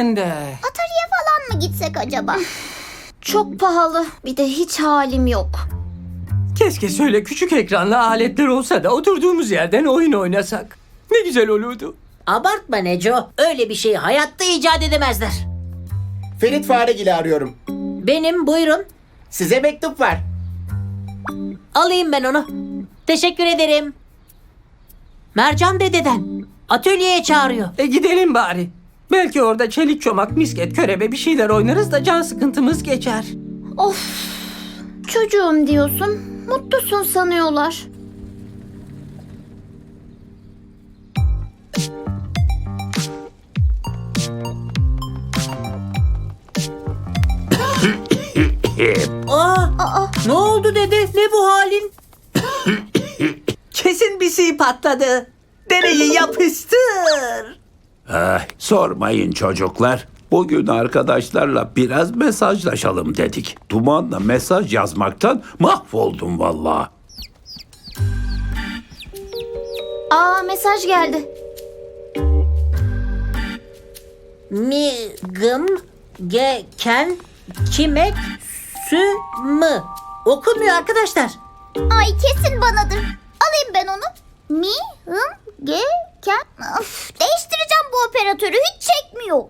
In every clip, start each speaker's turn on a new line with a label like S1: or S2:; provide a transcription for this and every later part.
S1: sen de.
S2: Atari'ye falan mı gitsek acaba?
S3: Çok pahalı. Bir de hiç halim yok.
S1: Keşke şöyle küçük ekranlı aletler olsa da oturduğumuz yerden oyun oynasak. Ne güzel olurdu.
S4: Abartma Neco. Öyle bir şeyi hayatta icat edemezler.
S5: Ferit Faregil'i arıyorum.
S4: Benim, buyurun.
S5: Size mektup var.
S4: Alayım ben onu. Teşekkür ederim. Mercan dededen. Atölyeye çağırıyor.
S1: Gidelim bari. Belki orada çelik çomak, misket, körebe bir şeyler oynarız da can sıkıntımız geçer.
S3: Of. Çocuğum diyorsun. Mutlusun sanıyorlar.
S4: Aa, ne oldu dede? Ne bu halin?
S1: Kesin bir şey patladı. Deneyi yapıştır.
S6: Sormayın çocuklar. Bugün arkadaşlarla biraz mesajlaşalım dedik. Dumanla mesaj yazmaktan mahvoldum vallahi.
S3: Mesaj geldi.
S4: Mi, gım, ge, ken, kimek, sü, mı. Okunmuyor arkadaşlar.
S2: Ay kesin banadır. Alayım ben onu. Mi, hım, ge, ken. Of, değiştireceğim bu operatörü. Hiç çekmiyor.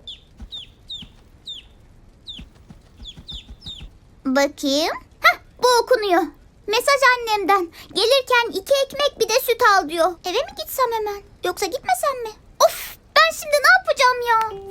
S2: Bakayım. Hah, bu okunuyor. Mesaj annemden. Gelirken 2 ekmek bir de süt al diyor. Eve mi gitsem hemen? Yoksa gitmesem mi? Of, ben şimdi ne yapacağım ya?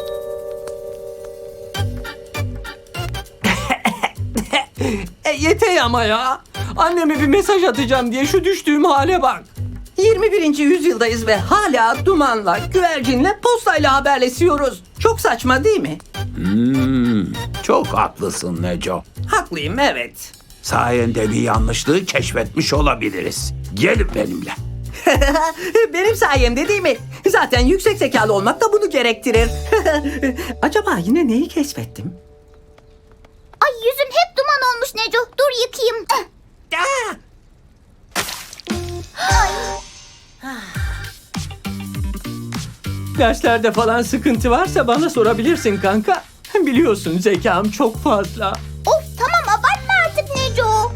S1: Yeter ama ya. Anneme bir mesaj atacağım diye şu düştüğüm hale bak. 21. yüzyıldayız ve hala dumanla, güvercinle, postayla haberleşiyoruz. Çok saçma değil mi?
S6: Çok haklısın Neco.
S1: Haklıyım, evet.
S6: Sayende bir yanlışlığı keşfetmiş olabiliriz. Gelin benimle.
S1: Benim sayemde değil mi? Zaten yüksek zekalı olmak da bunu gerektirir. Acaba yine neyi keşfettim?
S2: Ay yüzüm hep duman olmuş Neco. Dur yıkayayım.
S1: Derslerde falan sıkıntı varsa bana sorabilirsin kanka. Biliyorsun zekam çok fazla.
S2: Of tamam abartma artık Neco.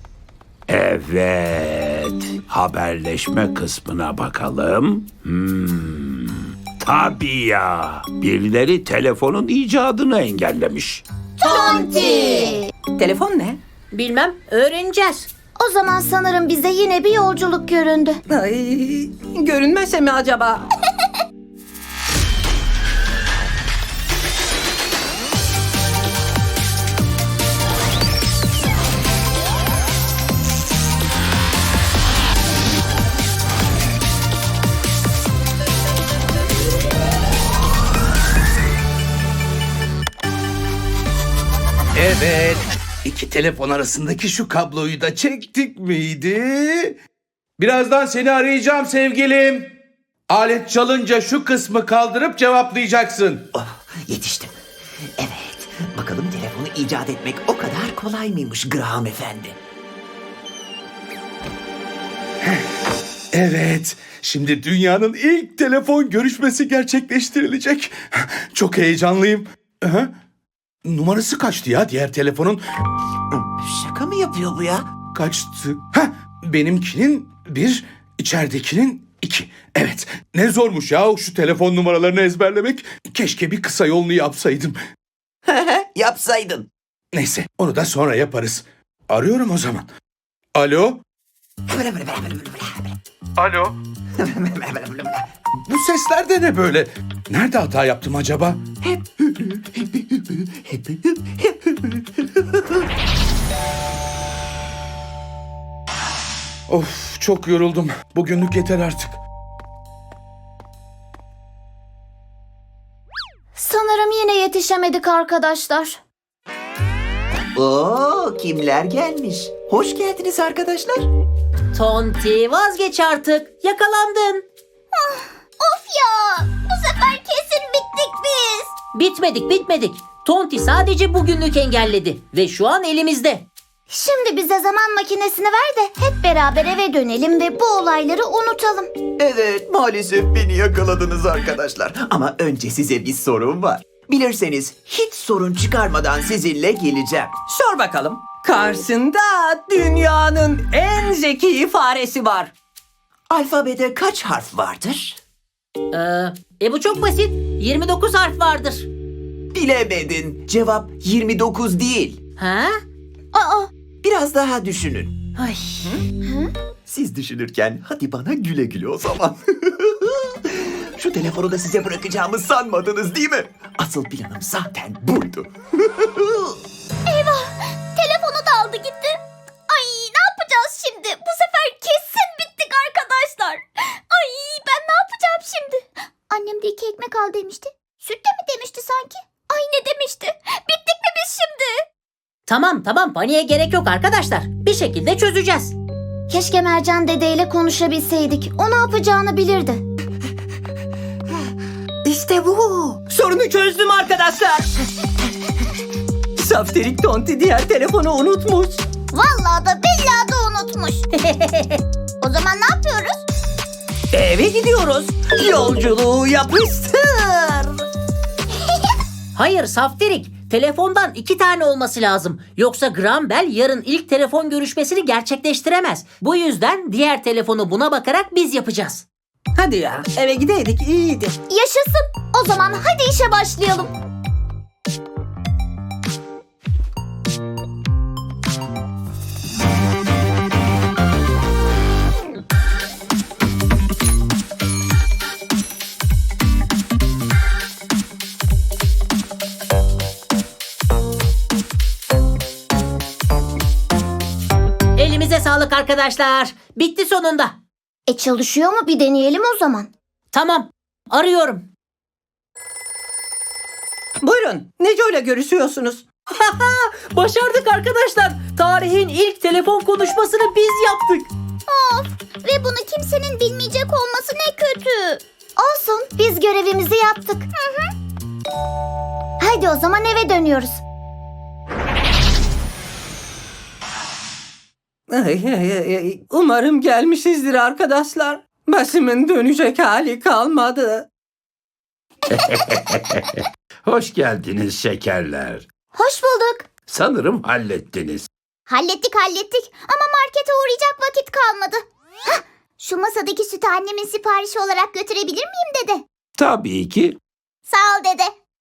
S6: Evet. Haberleşme kısmına bakalım. Tabii ya. Birileri telefonun icadını engellemiş.
S2: Tonti.
S1: Telefon ne?
S4: Bilmem, öğreneceğiz.
S3: O zaman sanırım bize yine bir yolculuk göründü.
S1: Ay, görünmezse mi acaba?
S7: Evet. İki telefon arasındaki şu kabloyu da çektik miydi? Birazdan seni arayacağım sevgilim. Alet çalınca şu kısmı kaldırıp cevaplayacaksın.
S8: Yetiştim. Evet, bakalım telefonu icat etmek o kadar kolay mıymış Graham Efendi?
S7: Evet. Şimdi dünyanın ilk telefon görüşmesi gerçekleştirilecek. Çok heyecanlıyım. Aha. Numarası kaçtı ya diğer telefonun?
S8: Şaka mı yapıyor bu ya?
S7: Kaçtı? Ha, benimkinin 1, içeridekinin 2. Evet, ne zormuş ya şu telefon numaralarını ezberlemek. Keşke bir kısa yolunu yapsaydım.
S8: Yapsaydın.
S7: Neyse, onu da sonra yaparız. Arıyorum o zaman. Alo? Alo? Bu sesler de ne böyle? Nerede hata yaptım acaba? Of, çok yoruldum. Bugünlük yeter artık.
S3: Sanırım yine yetişemedik arkadaşlar.
S8: Oo, kimler gelmiş? Hoş geldiniz arkadaşlar.
S4: Tonti, vazgeç artık. Yakalandın.
S2: Of ya. Bu sefer kesin bittik biz.
S4: Bitmedik. Tonti sadece bugünlük engelledi. Ve şu an elimizde.
S2: Şimdi bize zaman makinesini ver de hep beraber eve dönelim ve bu olayları unutalım.
S8: Evet, maalesef beni yakaladınız arkadaşlar. Ama önce size bir sorum var. Bilirseniz hiç sorun çıkarmadan sizinle geleceğim.
S1: Sor bakalım. Karşısında dünyanın en zeki faresi var.
S8: Alfabede kaç harf vardır?
S4: Bu çok basit. 29 harf vardır.
S8: Bilemedin. Cevap 29 değil.
S4: Ha?
S2: Aa,
S8: Biraz daha düşünün.
S4: Ay.
S8: Siz düşünürken hadi bana güle güle o zaman. Şu telefonu da size bırakacağımı sanmadınız değil mi? Asıl planım zaten buydu.
S2: telefonu da aldı gitti. Ay, ne yapacağız şimdi? Bu sefer kesin bittik arkadaşlar. Ay, ben ne yapacağım şimdi? Annem de 2 ekmek al demişti. Süt de mi demişti sanki? Ay, ne demişti? Bittik mi biz şimdi?
S4: Tamam paniğe gerek yok arkadaşlar. Bir şekilde çözeceğiz.
S3: Keşke Mercan dedeyle konuşabilseydik. O ne yapacağını bilirdi.
S8: İşte bu.
S1: Sorunu çözdüm arkadaşlar. Safterik Tonti diğer telefonu unutmuş.
S2: Vallahi da billahi da unutmuş. O zaman ne yapıyoruz?
S1: Eve gidiyoruz. Yolculuğu yapıştır.
S4: Hayır Saftirik. Telefondan 2 tane olması lazım. Yoksa Graham Bell yarın ilk telefon görüşmesini gerçekleştiremez. Bu yüzden diğer telefonu buna bakarak biz yapacağız.
S1: Hadi ya, eve gideydik iyiydi.
S2: Yaşasın. O zaman hadi işe başlayalım.
S4: Elimize sağlık arkadaşlar. Bitti sonunda.
S3: Çalışıyor mu? Bir deneyelim o zaman.
S4: Tamam. Arıyorum.
S1: Buyurun, Neco ile görüşüyorsunuz.
S4: Başardık arkadaşlar. Tarihin ilk telefon konuşmasını biz yaptık.
S2: Of, ve bunu kimsenin bilmeyecek olması ne kötü.
S3: Olsun, biz görevimizi yaptık. Haydi o zaman eve dönüyoruz.
S1: Umarım gelmişizdir arkadaşlar. Başımın dönecek hali kalmadı.
S6: Hoş geldiniz şekerler.
S3: Hoş bulduk.
S6: Sanırım hallettiniz.
S2: Hallettik ama markete uğrayacak vakit kalmadı. Hah, şu masadaki sütü annemin siparişi olarak götürebilir miyim dede?
S6: Tabii ki.
S2: Sağ ol dede.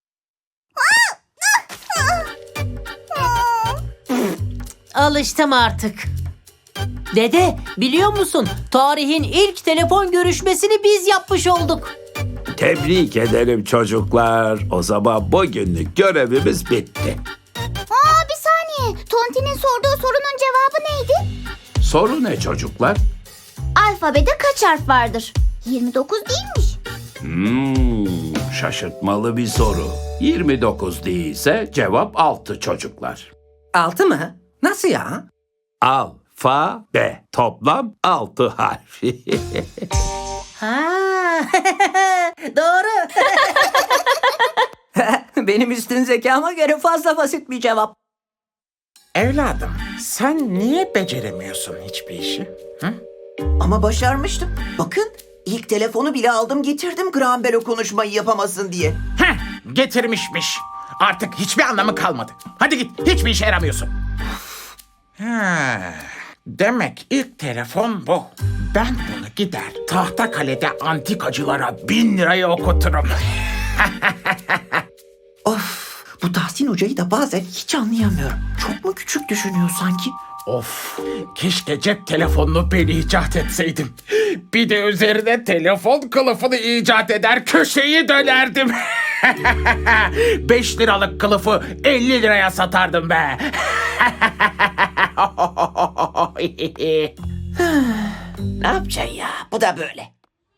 S4: Alıştım artık. Dede, biliyor musun? Tarihin ilk telefon görüşmesini biz yapmış olduk.
S6: Tebrik ederim çocuklar. O zaman bugünlük görevimiz bitti.
S2: Aa, bir saniye. Tonti'nin sorduğu sorunun cevabı neydi?
S6: Soru ne çocuklar?
S3: Alfabede kaç harf vardır?
S2: 29 değilmiş.
S6: Şaşırtmalı bir soru. 29 değilse cevap 6 çocuklar.
S1: 6 mı? Nasıl ya?
S6: Alfabe. Toplam 6 harf.
S4: Ha, doğru.
S1: Benim üstün zekama göre fazla basit bir cevap.
S5: Evladım, sen niye beceremiyorsun hiçbir işi?
S8: Ama başarmıştım. Bakın ilk telefonu bile aldım getirdim Graham Bell o konuşmayı yapamasın diye.
S9: Getirmişmiş. Artık hiçbir anlamı kalmadı. Hadi git, hiçbir işe yaramıyorsun. Demek ilk telefon bu. Ben bunu gider Tahtakale'de antikacılara 1000 liraya okuturum.
S8: Of, bu Tahsin Hoca'yı da bazen hiç anlayamıyorum. Çok mu küçük düşünüyor sanki?
S9: Of, keşke cep telefonunu ben icat etseydim. Bir de üzerine telefon kılıfını icat eder köşeyi dönerdim. 5 liralık kılıfı 50 liraya satardım be.
S8: Ne yapacaksın ya? Bu da böyle.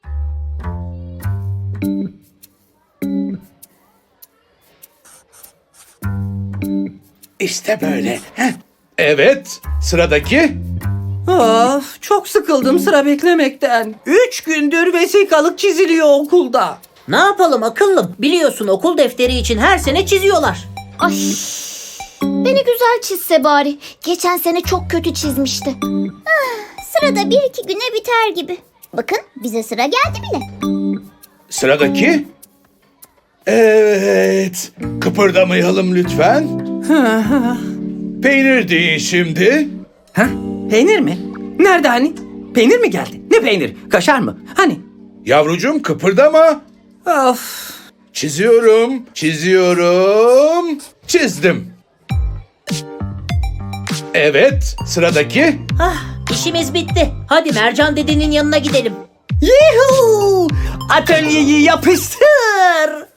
S7: İşte böyle. Evet, sıradaki.
S1: Of, çok sıkıldım sıra beklemekten. 3 gündür vesikalık çiziliyor okulda.
S4: Ne yapalım akıllım? Biliyorsun okul defteri için her sene çiziyorlar.
S3: Ay, beni güzel çizse bari. Geçen sene çok kötü çizmişti.
S2: Sırada 1-2 güne biter gibi. Bakın bize sıra geldi bile.
S7: Sıradaki. Evet. Kıpırdamayalım lütfen. Peynir deyin şimdi.
S1: Ha? Peynir mi? Nerede hani? Peynir mi geldi? Ne peynir? Kaşar mı? Hani?
S7: Yavrucuğum kıpırdama.
S1: Of.
S7: Çiziyorum, çiziyorum. Çizdim. Evet, sıradaki.
S4: İşimiz bitti. Hadi Mercan dedenin yanına gidelim.
S1: Yuhuu! Atölyeyi yapıştır.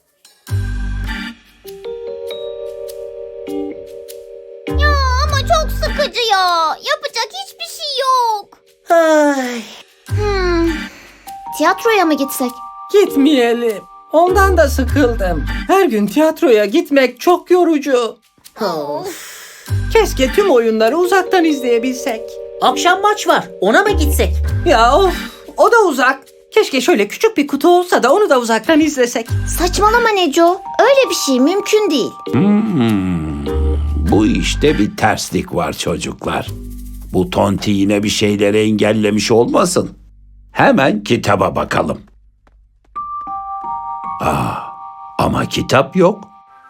S2: Ya ama çok sıkıcı ya. Yapacak hiçbir şey yok.
S4: Ay.
S3: Tiyatroya mı gitsek?
S1: Gitmeyelim. Ondan da sıkıldım. Her gün tiyatroya gitmek çok yorucu. Keşke tüm oyunları uzaktan izleyebilsek.
S4: Akşam maç var. Ona mı gitsek?
S1: Ya of, o da uzak. Keşke şöyle küçük bir kutu olsa da onu da uzaktan izlesek.
S3: Saçmalama Neco. Öyle bir şey mümkün değil.
S6: Bu işte bir terslik var çocuklar. Bu tonti yine bir şeyleri engellemiş olmasın. Hemen kitaba bakalım. Ama kitap yok.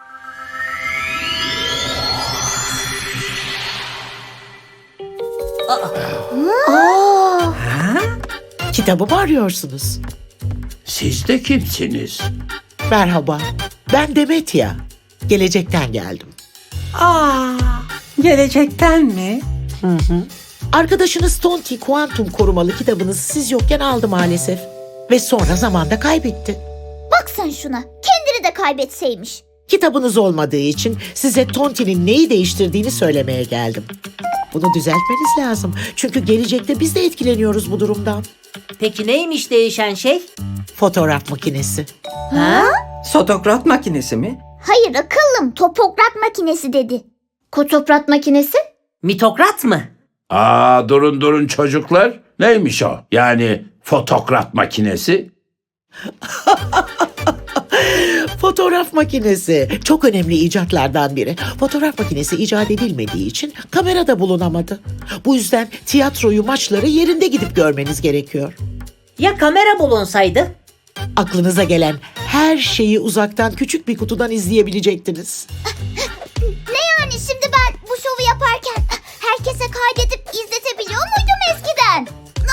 S10: Kitabı mı arıyorsunuz?
S6: Siz de kimsiniz?
S10: Merhaba, ben Demet ya. Gelecekten geldim.
S1: Gelecekten mi?
S10: Arkadaşınız Tonti kuantum korumalı kitabınızı siz yokken aldı maalesef. Ve sonra zamanda kaybetti.
S2: Bak sen şuna. Kendini de kaybetseymiş.
S10: Kitabınız olmadığı için size Tonti'nin neyi değiştirdiğini söylemeye geldim. Bunu düzeltmeniz lazım. Çünkü gelecekte biz de etkileniyoruz bu durumdan.
S4: Peki neymiş değişen şey?
S10: Fotoğraf makinesi.
S1: Fotokrat makinesi mi?
S2: Hayır akıllım. Topokrat makinesi dedi.
S3: Kotoprat makinesi?
S4: Mitokrat mı?
S6: Durun çocuklar. Neymiş o? Yani fotokrat makinesi.
S10: Fotoğraf makinesi. Çok önemli icatlardan biri. Fotoğraf makinesi icat edilmediği için kamerada bulunamadı. Bu yüzden tiyatroyu, maçları yerinde gidip görmeniz gerekiyor.
S4: Ya kamera bulunsaydı?
S10: Aklınıza gelen her şeyi uzaktan küçük bir kutudan izleyebilecektiniz.
S2: Ne yani şimdi ben bu şovu yaparken herkese kaydedip izletebiliyor muydum eskiden?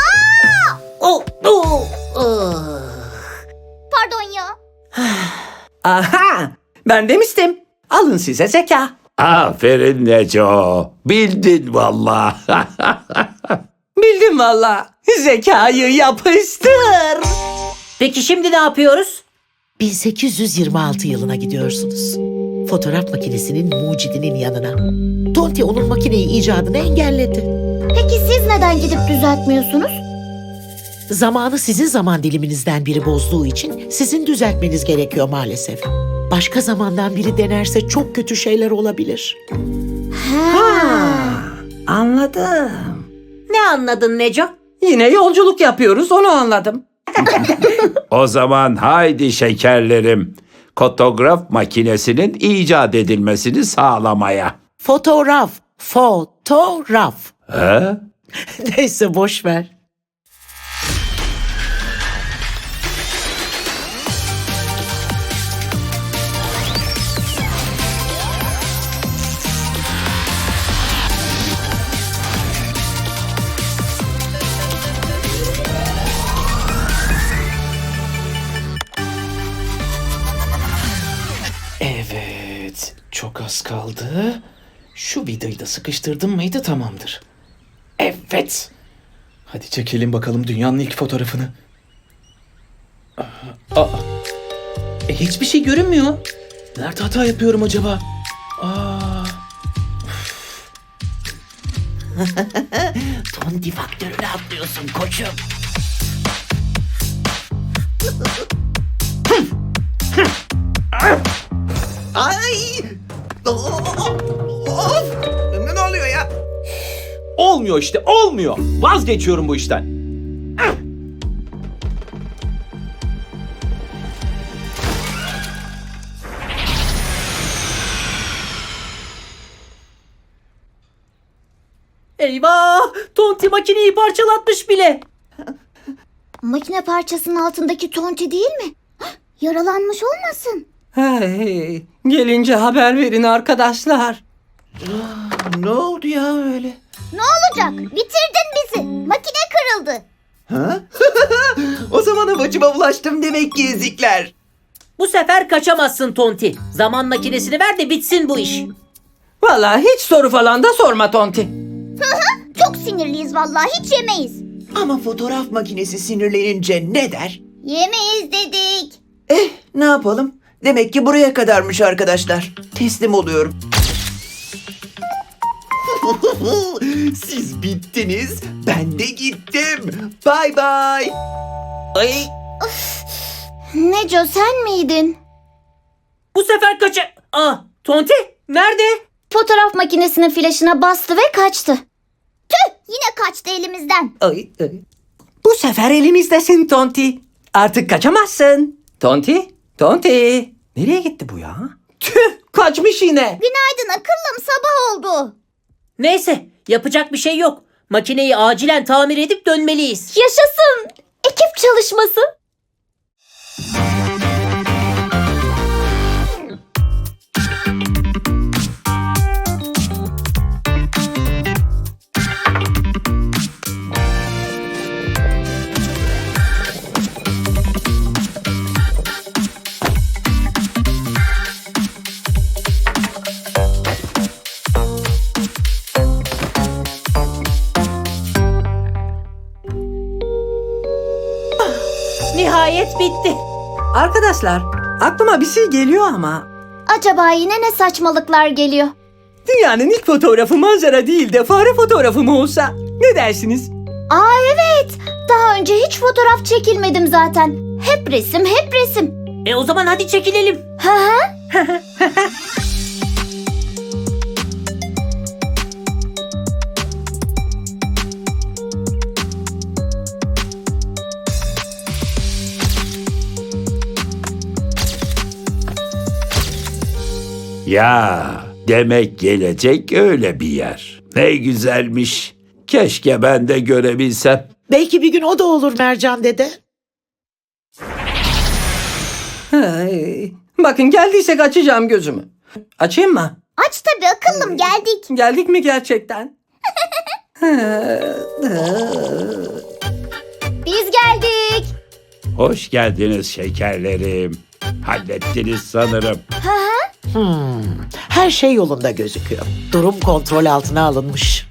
S2: Pardon ya.
S1: Aha! Ben demiştim. Alın size zeka.
S6: Aferin Neco. Bildin valla.
S1: Bildim valla. Zekayı yapıştır.
S4: Peki şimdi ne yapıyoruz?
S10: 1826 yılına gidiyorsunuz. Fotoğraf makinesinin mucidinin yanına. Tonti onun makineyi icadını engelledi.
S3: Peki siz neden gidip düzeltmiyorsunuz?
S10: Zamanı sizin zaman diliminizden biri bozduğu için sizin düzeltmeniz gerekiyor maalesef. Başka zamandan biri denerse çok kötü şeyler olabilir.
S1: Anladım.
S4: Ne anladın Neco?
S1: Yine yolculuk yapıyoruz, onu anladım.
S6: O zaman haydi şekerlerim. Fotograf makinesinin icat edilmesini sağlamaya.
S10: Fotoğraf.
S6: He?
S10: Neyse boş ver.
S9: Evet, çok az kaldı. Şu vidayı da sıkıştırdım mıydı tamamdır. Evet. Hadi çekelim bakalım dünyanın ilk fotoğrafını. Hiçbir şey görünmüyor. Nerede hata yapıyorum acaba?
S10: Tonti faktörüne atlıyorsun koçum.
S8: Ay! Of! Ne oluyor ya?
S11: Olmuyor işte, olmuyor. Vazgeçiyorum bu işten.
S4: Eyvah! Tonti makineyi parçalatmış bile.
S3: Makine parçasının altındaki Tonti değil mi?
S2: Yaralanmış olmasın?
S1: Hey, gelince haber verin arkadaşlar.
S8: Ne oldu ya öyle?
S2: Ne olacak? Bitirdin bizi. Makine kırıldı.
S8: Ha? O zaman havacıma ulaştım demek ki ezikler.
S4: Bu sefer kaçamazsın Tonti. Zaman makinesini ver de bitsin bu iş.
S1: Vallahi hiç soru falan da sorma Tonti.
S2: Çok sinirliyiz vallahi, hiç yemeyiz.
S8: Ama fotoğraf makinesi sinirlenince ne der?
S2: Yemeyiz dedik.
S8: Ne yapalım? Demek ki buraya kadarmış arkadaşlar. Teslim oluyorum. Siz bittiniz, ben de gittim. Bay bay. Ay.
S3: Neco sen miydin?
S4: Bu sefer Tonti nerede?
S3: Fotoğraf makinesinin flaşına bastı ve kaçtı.
S2: Tüh, yine kaçtı elimizden.
S1: Ay. Bu sefer elimizdesin Tonti. Artık kaçamazsın. Tonti. Nereye gitti bu ya? Tüh, kaçmış yine.
S2: Günaydın akıllım, sabah oldu.
S4: Neyse, yapacak bir şey yok. Makineyi acilen tamir edip dönmeliyiz.
S3: Yaşasın. Ekip çalışması.
S4: Nihayet bitti.
S1: Arkadaşlar, aklıma bir şey geliyor ama
S3: Acaba yine ne saçmalıklar geliyor?
S1: dünyanın ilk fotoğrafı manzara değil de fare fotoğrafı mı olsa? Ne dersiniz?
S3: Aa evet. Daha önce hiç fotoğraf çekilmedim zaten. Hep resim, hep resim.
S4: O zaman hadi çekilelim.
S3: Hı hı.
S6: Ya, demek gelecek öyle bir yer. Ne güzelmiş. Keşke ben de görebilsem.
S10: Belki bir gün o da olur Mercan dede.
S1: Hey, bakın geldiysek açacağım gözümü. Açayım mı?
S2: Aç tabii akıllım, geldik.
S1: Geldik mi gerçekten?
S2: Biz geldik.
S6: Hoş geldiniz şekerlerim. Hallettiniz sanırım.
S10: Her şey yolunda gözüküyor. Durum kontrol altına alınmış.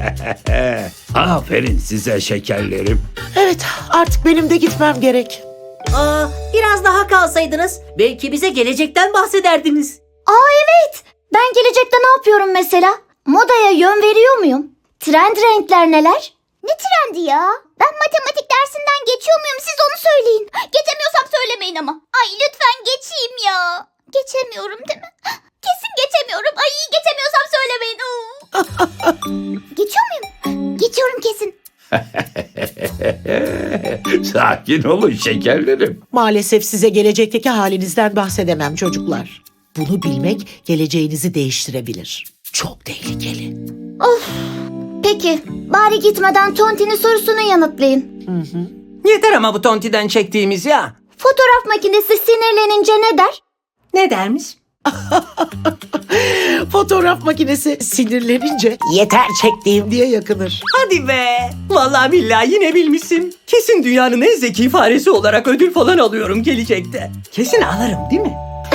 S6: Aferin size şekerlerim.
S10: Evet, artık benim de gitmem gerek.
S4: Biraz daha kalsaydınız belki bize gelecekten bahsederdiniz.
S3: Aa evet. Ben gelecekte ne yapıyorum mesela? Modaya yön veriyor muyum? Trend renkler neler?
S2: Ne trendi ya? Ben matematik dersinden geçiyor muyum, siz onu söyleyin. Geçemiyorsam söylemeyin ama. Ay lütfen geçeyim ya. Geçemiyorum değil mi? Kesin geçemiyorum. Ay geçemiyorsam söylemeyin. Geçiyor muyum? Geçiyorum kesin.
S6: Sakin olun şekerlerim.
S10: Maalesef size gelecekteki halinizden bahsedemem çocuklar. Bunu bilmek geleceğinizi değiştirebilir. Çok tehlikeli.
S3: Peki, bari gitmeden Tonti'nin sorusunu yanıtlayın.
S1: Yeter ama bu Tonti'den çektiğimiz ya.
S3: Fotoğraf makinesi sinirlenince ne der?
S1: Ne dermiş?
S10: Fotoğraf makinesi sinirlenince yeter çektiğim diye yakınır.
S1: Hadi be. Vallahi billahi yine bilmişsin. Kesin dünyanın en zeki faresi olarak ödül falan alıyorum gelecekte. Kesin alırım değil mi?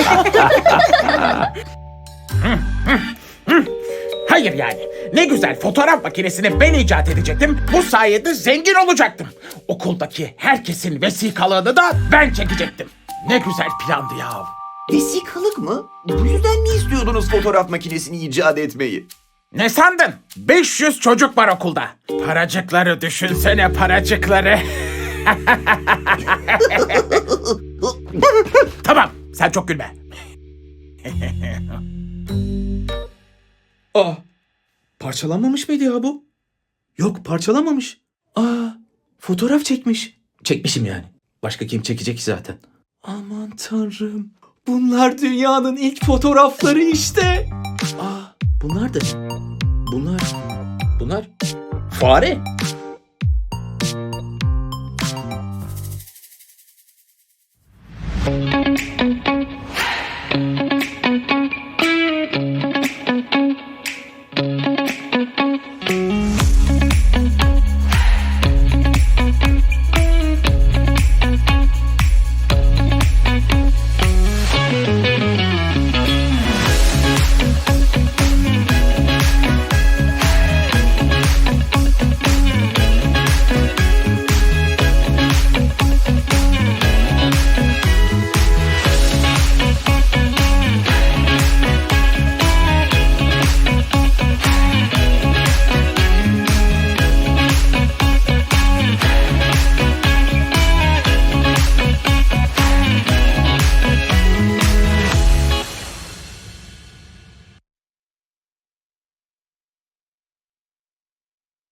S5: Hayır yani. Ne güzel fotoğraf makinesini ben icat edecektim. Bu sayede zengin olacaktım. Okuldaki herkesin vesikalığını da ben çekecektim. Ne güzel plandı ya.
S8: Vesikalık mı? Bu yüzden mi istiyordunuz fotoğraf makinesini icat etmeyi?
S5: Ne sandın? 500 çocuk var okulda. Paracıkları düşünsene, paracıkları. Tamam, sen çok gülme.
S9: Parçalanmamış mıydı ya bu? Yok, parçalanmamış. Fotoğraf çekmiş. Çekmişim yani. Başka kim çekecek ki zaten? Aman tanrım. Bunlar dünyanın ilk fotoğrafları işte. Bunlar da ne? Bunlar fare.